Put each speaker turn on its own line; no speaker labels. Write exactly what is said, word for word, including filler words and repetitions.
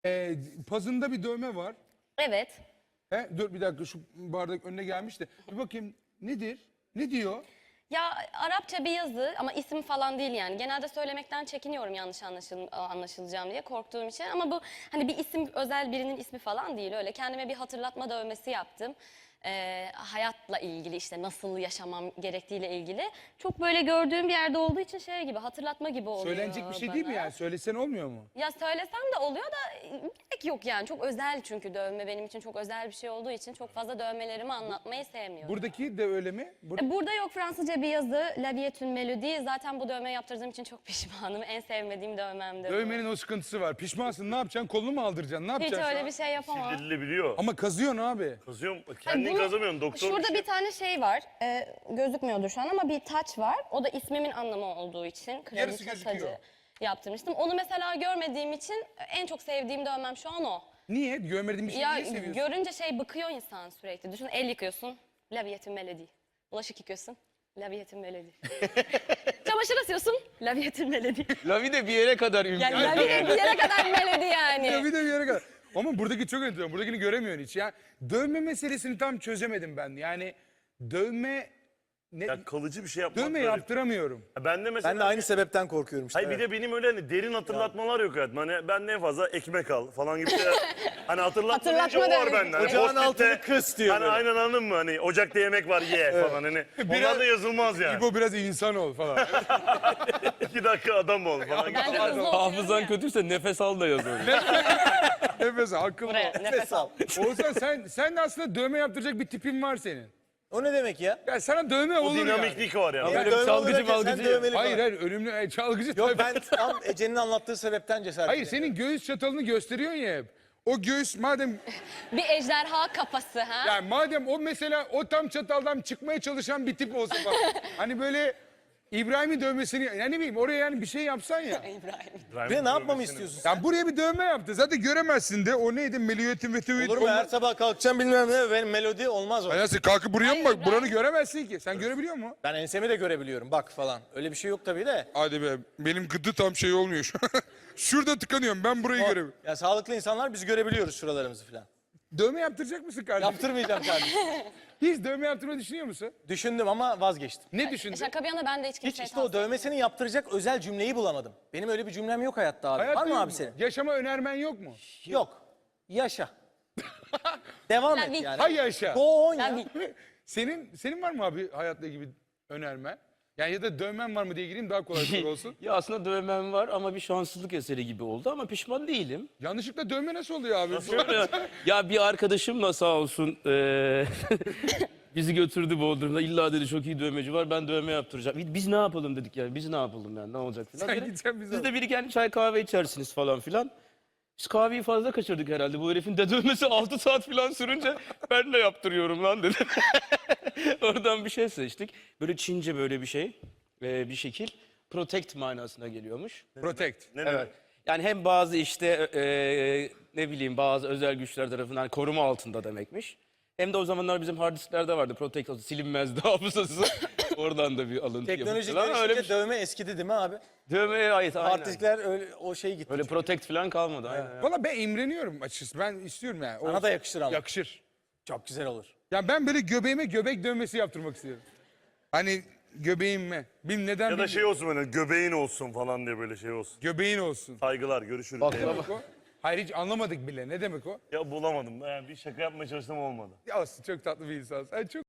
Ee, pazında bir dövme var.
Evet.
He, dur bir dakika şu bardak önüne gelmiş de. Bir bakayım nedir? Ne diyor?
Ya Arapça bir yazı ama isim falan değil yani. Genelde söylemekten çekiniyorum yanlış anlaşıl anlaşılacağım diye korktuğum için. Ama bu hani bir isim, özel birinin ismi falan değil öyle. Kendime bir hatırlatma dövmesi yaptım. Ee, hayatla ilgili işte nasıl yaşamam gerektiğiyle ilgili. Çok böyle gördüğüm bir yerde olduğu için şey gibi hatırlatma gibi oluyor
Söylenecek bir şey değil mi
bana.
yani? Söylesen olmuyor mu?
Ya söylesem de oluyor da gerek yok yani. Çok özel çünkü dövme benim için çok özel bir şey olduğu için çok fazla dövmelerimi anlatmayı sevmiyorum.
Buradaki de öyle mi? Bur-
E, Burada yok Fransızca bir yazı, La vie est une mélodie. Zaten bu dövme yaptırdığım için çok pişmanım. En sevmediğim dövmemdi bu.
Dövmenin o sıkıntısı var. Pişmansın ne yapacaksın? Kolunu mu aldıracaksın? Ne
Hiç
yapacaksın?
öyle bir şey yapamam.
Sildirilebiliyor.
Ama kazıyorsun abi.
Kazıyorum.
Hani
Kendin
bunu-
kazamıyorsun. Doktor
Şurada
bir şey-
bir tane şey var. E, gözükmüyordur şu an ama bir taç var. O da ismimin anlamı olduğu için.
Yarısı
Kraliçe
gözüküyor.
tacı yaptırmıştım. Onu mesela görmediğim için en çok sevdiğim dövmem şu an o.
Niye? Görmediğin bir şeyi
Ya
niye seviyorsun?
görünce şey bıkıyor insan sürekli. Düşün el yıkıyorsun. La vie est une mélodie. Bulaşık yıkıyorsun. La vie est une mélodie. Çamaşır asıyorsun. La vie est une mélodie.
Lavi de bir yere kadar
Yani
imkan.
la vie bir yere kadar melodi yani.
Ya bir de bir yere kadar. Ama buradaki çok enteresan. Buradakini göremiyorsun hiç. Ya dövme meselesini tam çözemedim ben. Yani dövme ne,
Ya kalıcı bir şey yapmak
dövme
böyle-
yaptıramıyorum.
Ya Ben de mesela...
Ben de aynı sebepten korkuyorum işte.
Hayır bir de benim öyle hani derin hatırlatmalar yok hayatım. Hani ben ne fazla ekmek al falan gibi şeyler. Hani hatırlatma
Hatırlatma
deyince o var
demek.
benden. Hani
Ocağın
post-it'te-
altını kıs diyor
Hani
böyle.
aynen anladın mı? Hani ocakta yemek var ye falan hani. Onlar da yazılmaz yani.
İbo biraz insan ol falan.
İki dakika adam ol falan.
Ben de hızlı okuyorum
Hafızan
ya.
kötüyse nefes al da yazıyor.
Nefes al, akıllı
Buraya
ol.
nefes al.
Oğuzhan sen, sen de aslında dövme yaptıracak bir tipin var senin.
O ne demek ya?
Ya sana dövme
O
olur yani.
dinamiklik var yani.
Böyle bir
Dövme
çalgıcı
olarak ya, sen
malgıcı.
dövmeli
Hayır
falan.
hayır ölümlü e, çalgıcı.
Yok
tabii.
ben tam Ece'nin anlattığı sebepten cesaret
Hayır
edemiyorum.
senin göğüs çatalını gösteriyorsun ya hep. O göğüs madem
Bir ejderha kafası ha.
yani madem o mesela o tam çataldan çıkmaya çalışan bir tip olsa falan. Hani böyle İbrahim'in dövmesini yani ne bileyim oraya yani bir şey yapsan ya.
İbrahim.
Bir de ne yapmamı istiyorsun sen?
Yani buraya bir dövme yaptı. Zaten göremezsin de o neydi? Meliyeti ve tüvit.
Olur mu? Her sabah kalkacağım bilmem ne. Benim melodi olmaz o.
Nasıl kalkıp buraya mı
Hayır,
bak?
ben-
Buranı göremezsin ki. Sen görebiliyor musun?
Ben ensemi de görebiliyorum bak falan. Öyle bir şey yok tabii de.
Hadi be benim gıdı tam şey olmuyor şu an. Şurada tıkanıyorum ben burayı
O-
göremiyorum.
Ya sağlıklı insanlar biz görebiliyoruz şuralarımızı falan.
Dövme yaptıracak mısın kardeşim?
Yaptırmayacağım kardeşim.
Hiç dövme yaptırmayı düşünüyor musun?
Düşündüm ama vazgeçtim.
Ne düşündün?
Şaka bir yana ben de hiç
Hiç
kimseye
işte o
tavsiye
dövmesini yaptıracak özel cümleyi bulamadım. Benim öyle bir cümlem yok hayatta abi.
Hayatta
Var mı
yok
abi senin?
Yaşama önermen yok mu?
Yok. Yaşa. Devam
La
et
vie.
yani.
Hay yaşa.
Go on
La
ya.
vie.
Senin senin var mı abi hayatla ilgili önermen? Yani ya da dövmen var mı diye gireyim daha kolay soru olsun.
Ya aslında dövmem var ama bir şanssızlık eseri gibi oldu ama pişman değilim.
Yanlışlıkla dövme nasıl oluyor abi?
Ya, ya bir arkadaşımla sağ olsun eee, bizi götürdü Bodrum'da. İlla dedi çok iyi dövmeci var ben dövme yaptıracağım. Biz ne yapalım dedik yani biz ne yapalım yani ne olacak filan.
Sen
Dedi,
gideceksin bize.
Siz de bir iki çay kahve içersiniz falan filan. Biz kahveyi fazla kaçırdık herhalde. Bu herifin de dövmesi altı saat falan sürünce ben de yaptırıyorum lan dedi. Oradan bir şey seçtik. Böyle Çince böyle bir şey, eee, bir şekil. Protect manasına geliyormuş.
Protect.
Ne
Evet. Yani hem bazı işte eee, ne bileyim bazı özel güçler tarafından koruma altında demekmiş. Hem de o zamanlar bizim hard disklerde vardı. Protect olsun, silinmezdi hafızası. Oradan da bir alıntı
Teknoloji
yapmışlar. Ama öyle
gelişince
bir
dövme eskidi değil mi abi?
dövmeye ait aynen.
Artistler öyle o şey gitti.
Öyle protect falan kalmadı. Aynen.
Valla ben imreniyorum açıkçası. Ben istiyorum yani. O-
Sana da yakışır ama.
Yakışır.
Çok güzel olur.
Ya ben böyle göbeğime göbek dövmesi yaptırmak istiyorum. Hani göbeğime. Bilmem neden
Ya da
bilmiyorum.
şey olsun böyle göbeğin olsun falan diye böyle şey olsun.
Göbeğin olsun.
Saygılar görüşürüz.
Bak,
Eyvallah.
bak.
O? Hayır hiç anlamadık bile. Ne demek o?
Ya bulamadım. Yani bir şaka yapmaya çalıştım olmadı.
Ya olsun çok tatlı bir insansın. Sen çok